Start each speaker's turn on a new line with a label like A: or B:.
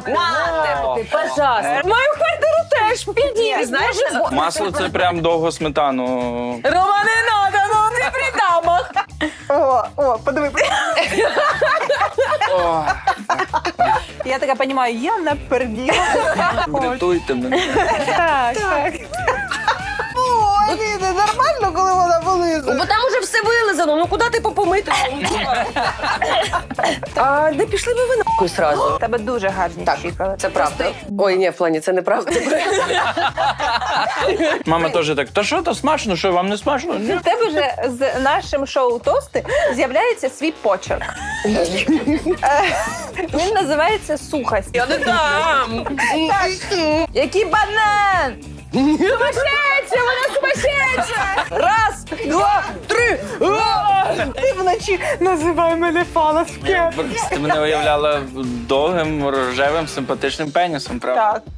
A: Нате, пожалуйста.
B: Мою квартиру теж підійди.
A: Знаєш,
C: Масло це прям довго сметану.
B: Рома, не надо, ну не при дамах.
D: О, подиви.
C: О,
D: Я така розумію, я наперділа.
C: врятуйте мене.
D: Так. Ой, ні, не нормально, коли вона вилизує.
A: бо там уже все вилизано, ну куди ти попомити? А не пішли би ви нахуй сразу?
D: У тебе дуже гарні щікали.
A: Це правда. Ой, ні, в плані, це неправда.
C: Мама теж так, та що, то смачно, що вам не смачно? Ні.
D: У тебе вже з нашим шоу «Тости» з'являється свій почерк. Він називається «Сухость».
A: Я не дам.
D: Який банан! Сумасшедша! Вона сумасшедша! Раз, два, три! Ти вночі називай мене фалоскем.
C: Ти мене уявляла довгим, рожевим, симпатичним пенісом, правда?
D: Так.